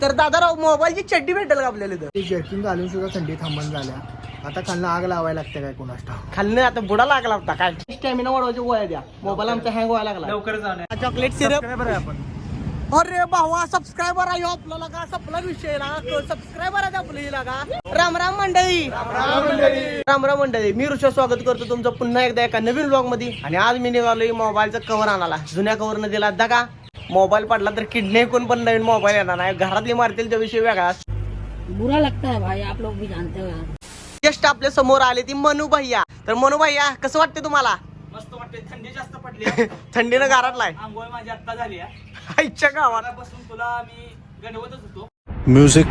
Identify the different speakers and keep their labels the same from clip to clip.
Speaker 1: तर दादाराव मोबाईलची चड्डी भेटेल का आपल्याला इथं?
Speaker 2: ते जॅकिंग घालून सुद्धा थंडी थांबून झाल्या. आता खालनं आग लावायला लागते काय कोणास ठाऊक.
Speaker 1: खाल्लं आता बुडा लागला होता काय स्टॅमिना वाढवायची गोळ्या द्या. मोबाईल आमचा हँग व्हायला लागला.
Speaker 3: लवकर जाऊन
Speaker 1: चॉकलेट सिरप.
Speaker 2: आपण
Speaker 1: अरे भावा सबस्क्रायबर आहे आपल्याला का सपला विषय ना सबस्क्रायबर आहे आपल्याला का. राम राम मंडळी. राम राम मंडळी. मी ऋषा स्वागत करतो तुमचं पुन्हा एकदा एका नवीन ब्लॉग मध्ये. आणि आज मी निघालोय मोबाईलचा कव्हर आणायला. जुन्या कव्हर न दिला दगा. मोबाईल पडला तर किडनी कोण पण नवीन मोबाईल येणार नाही. घरातली मारतील त्या विषय वेगळा.
Speaker 4: बुरा लगता है भाई, आप लोग भी जानते हो.
Speaker 1: जस्ट आपल्या समोर आले ती मनू भैया. तर मनू भैया कसं वाटते तुम्हाला?
Speaker 3: मस्त वाटते. थंडी जास्त पडली.
Speaker 1: थंडीनं गारटलाय.
Speaker 3: आंघोळ माझी आत्ता झाली.
Speaker 1: आईच्या गावात
Speaker 3: बसून तुला मी गणवतच होतो.
Speaker 2: म्युझिक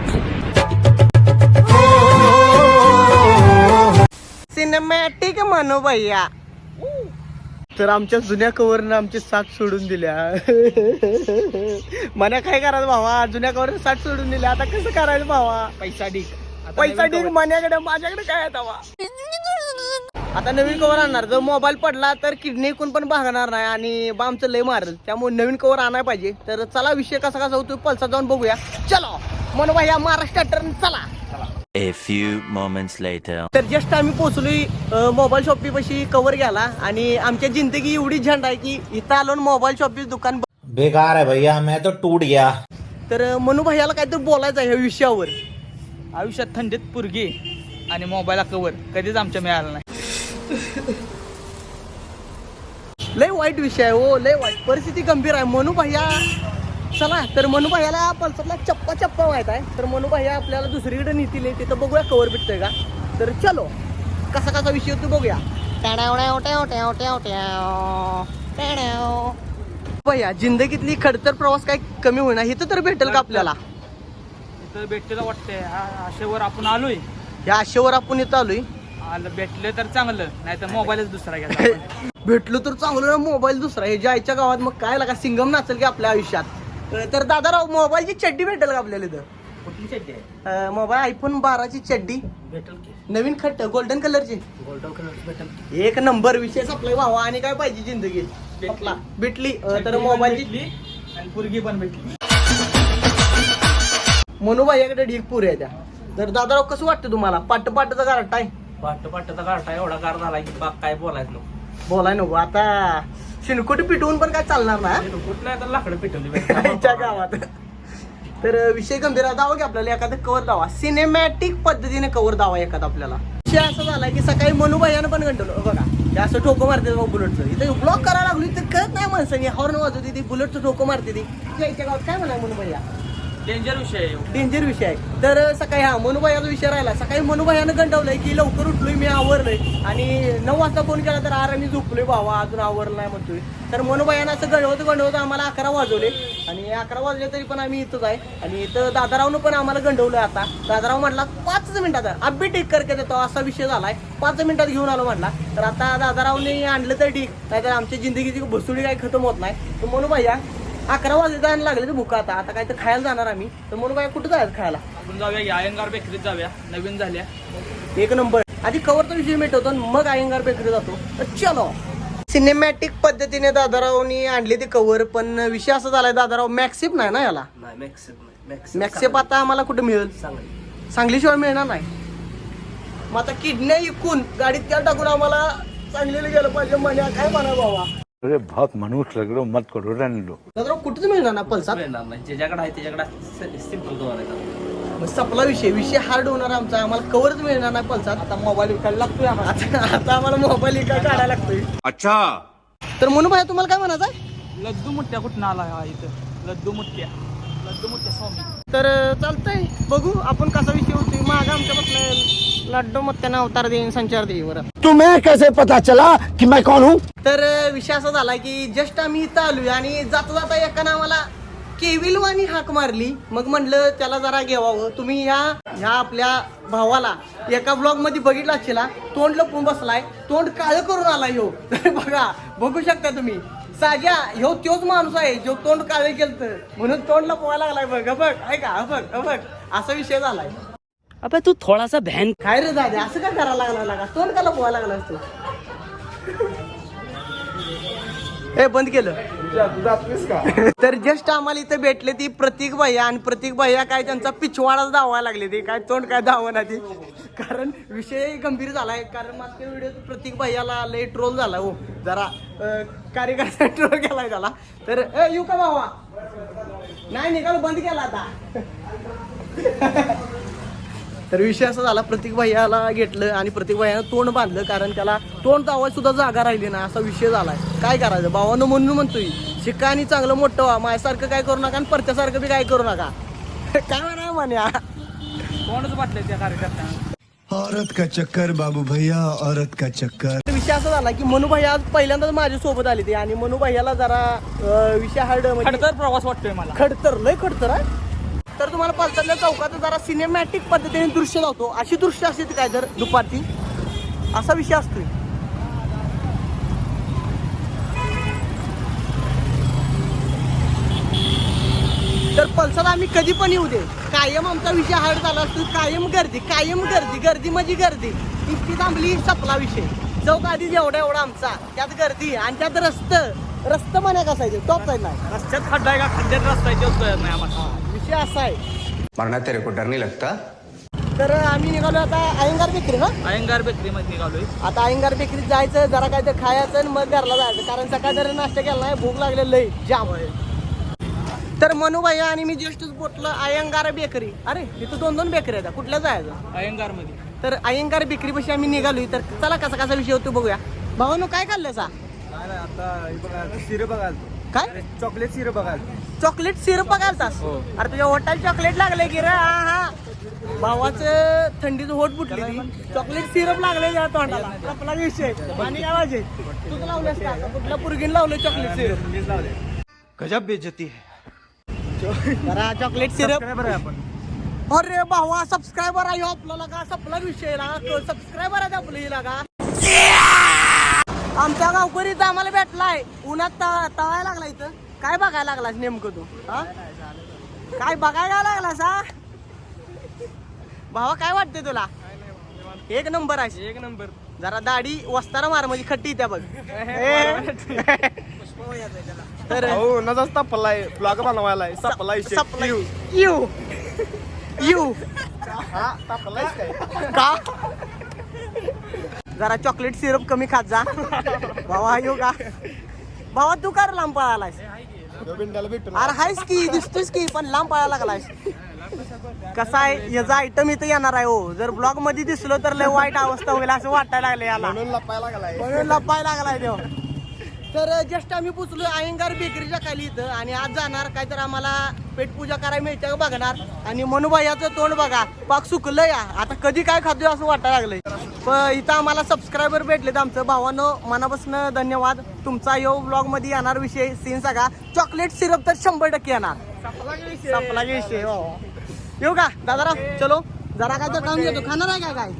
Speaker 1: सिनेमॅटिक मनू भैया. तर आमच्या जुन्या कव्हरनं आमची साथ सोडून दिल्या. मना काय करायचं भावा? जुन्या कव्हरनं साथ सोडून दिल्या. आता कसं करायचं भावा?
Speaker 3: पैसा ढीक.
Speaker 1: पैसा ठीक मण्याकडे माझ्याकडे काय आहे तवा? आता नवीन कव्हर आणणार. जर मोबाईल पडला तर किडनी कोण पण भागणार नाही आणि आमचं लय मारल. त्यामुळे नवीन कव्हर आणायला पाहिजे. तर चला विषय कसा होतो पल्सा जाऊन बघूया. चलो मनू भैया महाराष्ट्र टर्न चला.
Speaker 5: A few moments later.
Speaker 1: तर जस्ट आम्ही पोहोचलोय मोबाईल शॉपी पाशी कव्हर घ्यायला. आणि आमच्या जिंदगी एवढी झंड आहे की इथं आलो मोबाईल शॉपी दुकान
Speaker 6: बेकार है भैया, मैं तो टूट गया.
Speaker 1: तर मनू भैयाला काहीतरी बोलायचं आहे ह्या विषयावर.
Speaker 3: आयुष्यात थंडीत पुरगी आणि मोबाईलला कवर कधीच आमच्या मिळाला नाही.
Speaker 1: लय वाईट विषय आहे हो. लय वाईट परिस्थिती गंभीर आहे. मनू भैया चला. तर मनू भैयाला पल्सरला चप्पा माहित आहे. तर मनू भैया आपल्याला दुसरीकडे नेतील. तिथं बघूया कवर भेटतोय का. तर चलो कसा विषय होतो बघूया. भैया जिंदगीतली खडतर प्रवास काय कमी होईना. इथं तर भेटेल का आपल्याला?
Speaker 3: इथं भेटलेलं वाटतंय. आशेवर आपण आलोय.
Speaker 1: या आशेवर आपण इथं आलोय.
Speaker 3: आलं भेटलं तर चांगलं, नाही तर मोबाईलच दुसरा घ्यायचा आपण.
Speaker 1: भेटलो तर चांगलं. मोबाईल दुसरा हे ज्या आईच्या गावात मग काय लागा सिंगम नाचल की आपल्या आयुष्यात. तर दादाराव मोबाईलची चड्डी भेटेल का आपल्याला इथं?
Speaker 3: कुठली चड्डी आहे?
Speaker 1: मोबाईल आयफोन 12ची चड्डी
Speaker 3: भेटेल की.
Speaker 1: नवीन खट्ट गोल्डन कलरची.
Speaker 3: गोल्डन कलर भेटेल की.
Speaker 1: एक नंबर विषय आपला भावा. आणि काय पाहिजे जिंदगीत आपला भेटली. तर मोबाईलची
Speaker 3: भेटली आणि पुरगी पण भेटली.
Speaker 1: मनू भाईकडे ढीक पुरे आहे त्या. तर दादाराव कसं वाटतं तुम्हाला? पाटचा गारट आहे.
Speaker 3: पाटचा गाठा एवढा गार झाला की बाग काय बोलायचं नको.
Speaker 1: बोलाय नको आता. शिनकोटी पिटवून पण काय चालणार ना
Speaker 3: कुठलं तर लाकडं पेटवली
Speaker 1: आईच्या गावात. तर विषय गंभीर आहे. दावा की आपल्याला एखादं कव्हर दावा. सिनेमॅटिक पद्धतीने कव्हर दावा एखादा आपल्याला. विषय असा झाला की सकाळी मनू भैयानं पण गंटवलं बघा. हे असं ठोको मारते बुलेटचं. इथं ब्लॉक करायला लागली तर कळत नाही माणसाने. हॉर्न वाजवते ती बुलेटचं ठोको मारते ती. आईच्या गावात काय म्हणा मनू भैया?
Speaker 3: डेंजर विषय आहे.
Speaker 1: डेंजर विषय आहे. तर सकाळी मनू भैयाचा विषय राहिला. सकाळी मनू भैयानं गंटवलंय की लवकर उठलोय मी आवरलोय. आणि 9 वाजता फोन केला तर अरे मी झोपलोय भावा अजून आवरलं नाही म्हणतोय. तर मनू भैयानं असं गंडवत आम्हाला 11 वाजवले. आणि 11 वाजले तरी पण आम्ही इथंच आहे. आणि इथं दादारावनं पण आम्हाला गंडवलंय. आता दादाराव म्हटला 5 मिनिटात अब्बी टेक करके देतो असा विषय झालाय. 5 मिनिटात घेऊन आलो म्हटला. तर आता दादारावने आणलं तर ठीक, नाहीतर आमच्या जिंदगीची भुसुडी काही खतम होत नाही. तर मनू भैया 11 वाजले जायला लागले तर भुका. आता काय तर खायला जाणार आम्ही. तर मनू भैया कुठं जायचं खायला?
Speaker 3: आपण जाऊया अयंगार बेकरीत जाऊया. नवीन झाल्या.
Speaker 1: एक नंबर. आधी कव्हरचा विषय मिटवतो मग अयंगार बेकरी जातो. तर चलो. सिनेमॅटिक पद्धतीने दादारावनी आणली ती कव्हर. पण विषय असा झालाय दादाराव मॅक्सिप नाही ना याला. मॅक्सिप आता आम्हाला कुठे मिळेल? सांगलीशिवाय मिळणार नाही. मग आता किडन्या इकून गाडीत त्या टाकून आम्हाला सांगलीला गेलं पाहिजे. म्हणे काय म्हणा बाबा.
Speaker 7: अरे बहुत मनुष्य लग रहे हो, मत करो रहने दो.
Speaker 1: दादाराव कुठेच मिळणार ना पल्सात.
Speaker 3: ज्याच्याकडे आहे त्याच्याकडे सिंपल कवर.
Speaker 1: सपला विषय हार्ड होणार आमचा. आम्हाला कव्हरच मिळणार नाही पल्सात. आता मोबाईल विकायला लागतोय आम्हाला. आता आम्हाला मोबाईल विकायला काढायला लागतोय.
Speaker 7: अच्छा.
Speaker 1: तर म्हणून भाई तुम्हाला काय म्हणायचं आहे?
Speaker 3: लड्डू मुठ्या कुठं आला हा इथं? लड्डू मुठ्या स्वामी.
Speaker 1: तर चालतंय बघू आपण कसा विषय होतोय. माग आमच्या बसला लड्डू मग त्यांना अवतार देईन संचार देईन. बरं
Speaker 2: तुम्हें कैसे पता चला कि मैं कौन हूँ?
Speaker 1: तर विषय असा झाला की जस्ट आम्ही इथं आलोय आणि जाता एकानं आम्हाला केविलवाणी हाक मारली. मग म्हणलं त्याला जरा घेवावं. तुम्ही ह्या आपल्या भावाला एका ब्लॉग मध्ये बघितला असेल. तोंड लपून बसलाय. तोंड काळं करून आलाय ह्यो. बघू शकता तुम्ही. साजा ह्यो तोच माणूस आहे जो तोंड काळे केलं म्हणून तोंड लपवायला लागलाय. बघ ऐका बघ असा विषय झालाय.
Speaker 4: अबे तू थोड़ा सा बहन.
Speaker 1: काय रे दादा असं काय करायला लागला? तोंड का लपवायला लागला असतो? ए बंद केलं. तर जस्ट आम्हाला इथे भेटले ती प्रतीक भैया आणि प्रतीक भैया काय त्यांचा पिछवाडाच धावायला लागले ते काय तोंड काय धावना ती कारण विषय गंभीर झालाय कारण मागच्या व्हिडिओ प्रतीक भैयाला लय ट्रोल झाला हो जरा कार्यकर्ता ट्रोल केलाय त्याला तर येऊ का भावा नाही निकाल बंद केला आता तर विषय असा झाला प्रतीक भैयाला घेतलं आणि प्रतीक भैयानं तोंड बांधलं कारण त्याला तोंड दावायला सुद्धा जागा राहिली ना असा विषय झालाय काय करायचं भावानं म्हणून म्हणतोय शिका आणि चांगलं मोठं व्हा माझ्यासारखं काय करू नका आणि परत्यासारखं बी काय करू नका काय म्हणा म्हण्या
Speaker 3: कोणच वाटलंय त्या कार्यकर्त्यांना
Speaker 8: औरत का चक्कर बाबू भैया औरत का चक्कर
Speaker 1: विषय असा झाला की मनू भैया आज पहिल्यांदाच माझ्या सोबत आली ती आणि मनू भैयाला जरा विषय हार्ड
Speaker 3: खडतर प्रवास वाटतोय मला
Speaker 1: खडतर लय खडतर आहे तर तुम्हाला पल्सरच्या चौकात जरा सिनेमॅटिक पद्धतीने दृश्य लावतो अशी दृश्य असते काय जर दुपारची असा विषय असतोय तर पल्सर आम्ही कधी पण येऊ दे कायम आमचा विषय हार्ड झाला असतो कायम गर्दी म्हणजे गर्दी इतकी थांबली सपला विषय चौक आधी एवढा आमचा त्यात गर्दी आणि त्यात रस्त म्हणे कसायचे टॉप साईड नाही
Speaker 3: रस्त्यात खड्डा आहे का खड्ड्यात रस्ता आहे तेच कळत नाही आम्हाला
Speaker 1: विषय असा आहे
Speaker 8: मरना तेरे को डर नहीं लगता
Speaker 1: तर आम्ही निघालो आता अयंगार बेकरी ना
Speaker 3: अयंगार बेकरीमध्ये निघालोय
Speaker 1: आता अयंगार बेकरीत जायचं जरा काय तर खायचं आणि मग घरला जायचं कारण सकाळ जरी नाश्ता केला नाही भूक लागलेलं लई जाम तर मनू भैया आणि मी जस्टच बोटलं अयंगार बेकरी अरे इथं 2 बेकरी आहेत कुठल्या जायचं
Speaker 3: अयंगार मध्ये
Speaker 1: तर अयंगार बेकरी पाशी आम्ही निघालोय तर चला कसा विषय होतो बघूया भावानो काय खाल्लं सा
Speaker 2: सिरप बघाल
Speaker 1: काय
Speaker 2: चॉकलेट सिरप बघाल
Speaker 1: चॉकलेट सिरप बघालतास अरे तुझ्या होटाल चॉकलेट लागले की रे हा भावाचं थंडीचं होट फुटली चॉकलेट सिरप लागले या तोंडाला आपला विषय आणि काय वाजे तू लावलंस का कुठल्या पुरगीन लावलं चॉकलेट सिरप
Speaker 2: गजब बेइज्जती है
Speaker 1: जरा चॉकलेट सिरप
Speaker 2: आपण
Speaker 1: अरे भावा सबस्क्रायबर आहे आपल्याला का सपला विषय सबस्क्रायबर आहे आपल्याला का आमच्या गावकरीत आम्हाला भेटलाय उन्हात तळायला लागला इथं काय बघायला लागलास नेमकं तू हा काय बघायला लागलास हा भावा काय वाटते तुला एक नंबर आहे
Speaker 3: एक नंबर
Speaker 1: जरा दाढी वस्तारा मार म्हणजे खट्टी त्या बघ तर
Speaker 2: नजाच तापलाय ब्लॉग बनवायलाय सपलाय
Speaker 1: यू
Speaker 2: हा तापलाय काय
Speaker 1: का जरा चॉकलेट सिरप कमी खात जा भावा येऊ का भावा तू का लांब पळालायस अरे हायस की दिसतोस की पण लांब पळायला लागलायस कसा आहे याचा आयटम इथं येणार आहे हो जर ब्लॉग मध्ये दिसलो तर लय वाईट अवस्था होईल असं वाटायला लागलं याला म्हणून लपायला लागलाय देव तर जस्ट आम्ही पोचलो अयंगार बेकरीच्या खाली इथं आणि आज जाणार काय तर आम्हाला पेटपूजा करायला मिळते बघणार आणि मनूबाईचं तोंड बघा पाक सुकलं या आता कधी काय खातोय असं वाटायला लागलंय पण इथं आम्हाला सबस्क्रायबर भेटलेत आमचं भावानं मनापासून धन्यवाद तुमचा यो ब्लॉग मध्ये येणार विषय सीन सगळा चॉकलेट सिरप तर 100% येणार सपला विषय येऊ का दादाराव चलो जरा काय तर काम घेतो खाणार आहे काय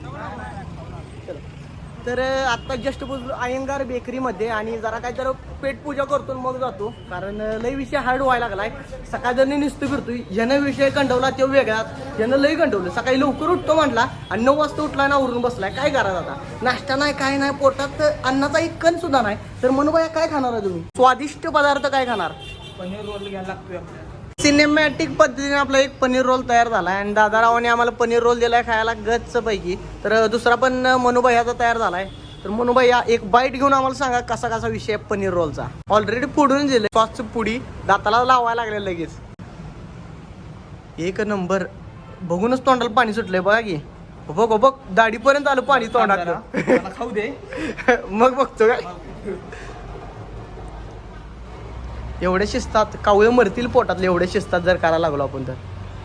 Speaker 1: तर आता जस्ट पोचलो अयंगार बेकरीमध्ये आणि जरा काय तर पेटपूजा करतो मग जातो कारण लय विषय हार्ड व्हायला लागलाय सकाळ जर नुसतं फिरतोय ज्यानं विषय कंटवला तो वेगळाच ज्यानं लय कंटवलं सकाळी लवकर उठतो म्हटला आणि 9 वाजता उठला ना उरून बसलाय काय करायचं आता नाश्ता नाही काय नाही पोटात अन्नाचा एक कण सुद्धा नाही तर मनूबाई काय खाणार आहे तुम्ही स्वादिष्ट पदार्थ काय खाणार
Speaker 3: पनीर रोल घ्यायला लागतोय आपल्याला
Speaker 1: सिनेमॅटिक पद्धतीने आपला एक पनीर रोल तयार झाला आणि दादारावाने आम्हाला पनीर रोल दिलाय खायला गच्च पैकी तर दुसरा पण मनूबाईचा तयार झालाय तर मनूबाई एक बाईट घेऊन आम्हाला सांगा कसा विषय आहे पनीर रोलचा ऑलरेडी फोडून दिले सॉसची पुडी दाताला लावायला लागले लगेच एक नंबर बघूनच तोंडाला पाणी सुटलंय बघा की बघ दाढीपर्यंत आलं पाणी तोंडात
Speaker 3: खाऊ दे
Speaker 1: मग बघतो काय एवढे शिस्तात कावळे मरतील पोटातले एवढे शिस्तात जर करायला लागलो आपण तर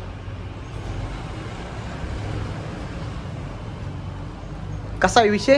Speaker 1: कसा विषय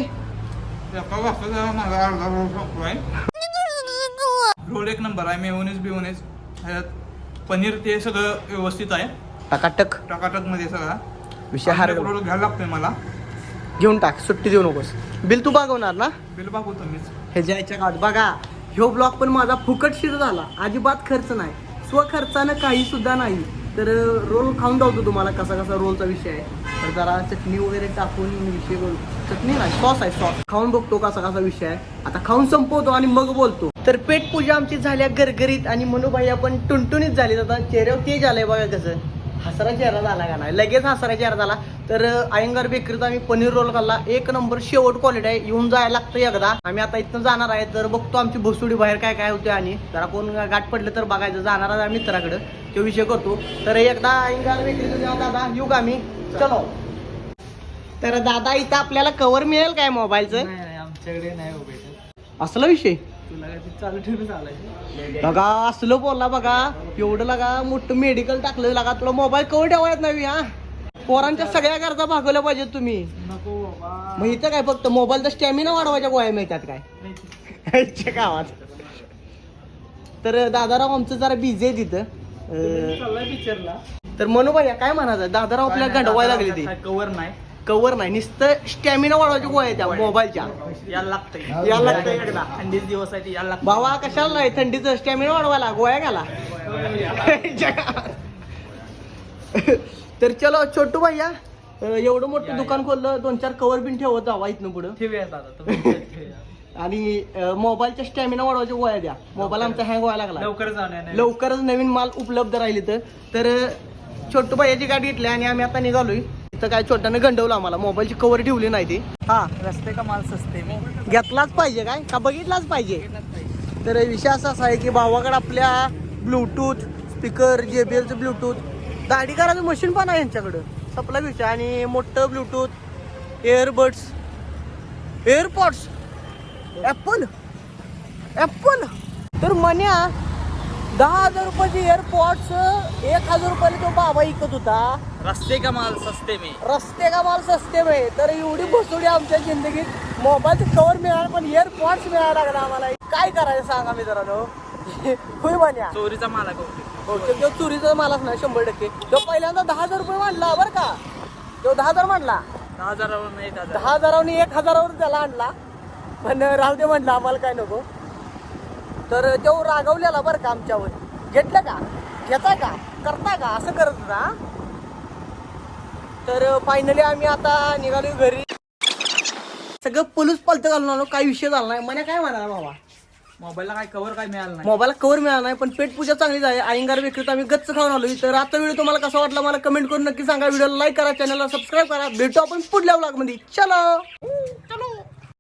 Speaker 3: रोल एक नंबर आहे मेयोनेज पनीर ते सगळं व्यवस्थित आहे
Speaker 1: टकाटक
Speaker 3: मध्ये सगळा
Speaker 1: विषय हार
Speaker 3: रोल घ्यायला लागतोय मला
Speaker 1: घेऊन टाक सुट्टी देऊ नकोस बिल तू बघवणार ना
Speaker 3: बिल बघतो मीच
Speaker 1: हे जायच्या काळात बघा ह्यो ब्लॉग पण माझा फुकटशीर झाला अजिबात खर्च नाही स्वखर्चानं काही सुद्धा नाही तर रोल खाऊन जातो तुम्हाला कसा रोलचा विषय आहे तर जरा चटणी वगैरे टाकून विषय करू चटणी नाही, सॉस आहे, सॉस. खाऊन बघतो कसा कसा विषय आहे. आता खाऊन संपवतो आणि मग बोलतो. तर पेट पूजा आमची झाल्या गरगरीत आणि मनुबाई आपण टुनटुनीत झाली. आता चेहऱ्यावर तेज आलंय बघा कसं. हसरा चेहरा झाला का नाही, लगेच हसरा चेहरा झाला. तर अयंगार बेकरीत आम्ही पनीर रोल खाल्ला, एक नंबर शेवट क्वालिटी आहे. येऊन जायला लागतं एकदा. आम्ही आता इथनं जाणार आहे, तर बघतो आमची भोसुडी बाहेर काय काय होते आणि जरा कोण गाठ पडलं तर बघायचं. जाणार आहे मित्राकडं, तो विषय करतो. तर एकदा अयंगार बेकरीत जाऊ दादा, येऊ का आम्ही, चलो. तर दादा इथं आपल्याला कव्हर मिळेल काय मोबाईलचं?
Speaker 2: आमच्याकडे नाही हो भेटत.
Speaker 1: असला विषय
Speaker 2: तुला काय चालू ठेवून चालायचं.
Speaker 1: बघा असलं बोलला बघा. एवढं लगा मोठं मेडिकल टाकलं लगा. तुला मोबाईल कवर ठेवायच नाही हा. पोरांच्या सगळ्या गरजा भागवल्या पाहिजेत तुम्ही.
Speaker 2: नको बाबा.
Speaker 1: मग इथं काय फक्त मोबाईलचा स्टॅमिना वाढवायच्या गोळ्या मिळतात काय गावात. तर दादाराव आमचं जरा बिझी आहे तिथं.
Speaker 2: चाललाय पिक्चरला.
Speaker 1: तर मनू भैया काय म्हणायचं, दादाराव आपल्याला गंडवायला लागली ती.
Speaker 2: कवर नाही.
Speaker 1: कवर नाही, नुसतं स्टॅमिना वाढवायच्या गोळ्या त्या मोबाईलच्या.
Speaker 2: याला लागतंय.
Speaker 1: याला लागतंय एकदा.
Speaker 2: थंडीच दिवस आहे याला लागतं.
Speaker 1: भावा कशाला नाही, थंडीचं स्टॅमिना वाढवायला गोळ्या घाला. तर चलो छोटू भैया, एवढं मोठं दुकान खोललं, 2-4 कवर बिन ठेवत जावा इथनं पुढं.
Speaker 2: ठेवूया दादा.
Speaker 1: आणि मोबाईलच्या स्टॅमिना वाढवायच्या गोळ्या द्या. मोबाईल आमचा हँग व्हायला लागला.
Speaker 2: लवकर जाऊन
Speaker 1: लवकरच नवीन माल उपलब्ध राहील इथं. तर छोटू भैयाची गाडी घेतली आणि आम्ही आता निघालोय. इथं काय छोट्यानं गंडवलं आम्हाला, मोबाईलची कवर ठेवली नाही ती. हा,
Speaker 2: रस्ते का माल सस्ते मी
Speaker 1: घेतलाच पाहिजे काय का बघितलाच पाहिजे. तर विषय असा आहे की भावाकडे आपल्या ब्लूटूथ स्पीकर, JBLचं ब्लूटूथ, दाढी करायचं मशीन पण आहे यांच्याकडं. सपला विषय. आणि मोठं ब्लूटूथ, एअरबड्स, एअरपॉड्स, ॲपल. तर मन्या 10,000 रुपयाचे एअरपॉड्स 1,000 रुपयाला तो बाबा विकत होता.
Speaker 2: रस्ते का माल सस्ते मी.
Speaker 1: रस्ते का माल सस्ते में. तर एवढी भोसडी आमच्या जिंदगीत. मोबाईलचं कवर मिळालं पण एअरपॉड्स मिळायला लागला आम्हाला. काय करायचं सांगा मित्रांनो. होय म्हण्या,
Speaker 2: चोरीचा माल आहे.
Speaker 1: तो चोरीचा मालच नाही 100%. तो पहिल्यांदा 10,000 रुपये मांडला बरं का. तो 10,000 मांडला. 10,000 1,000 त्याला आणला. पण राहू दे म्हणलं, आम्हाला काय नको. तर तो रागवलेला बरं का आमच्यावर. घेतलं का, घेता का, करता का, असं करत होता. तर फायनली आम्ही आता निघालो घरी. सगळं पलूस पालतं घालून आलो, काही विषय झाला नाही. मला काय म्हणाला बाबा,
Speaker 2: मोबाईलला काय कवर काय मिळालं नाही.
Speaker 1: मोबाईलला कवर मिळाला नाही, पण पेट पूजा चांगलीच आहे. अयंगार बेकरीत आम्ही गच्च खाऊन आलो. तर आता व्हिडिओ तुम्हाला कसा वाटला मला कमेंट करून नक्की सांगा. व्हिडिओला लाईक करा, चॅनलला सबस्क्राईब करा. भेटू आपण पुढल्या व्लॉगमध्ये. चलो.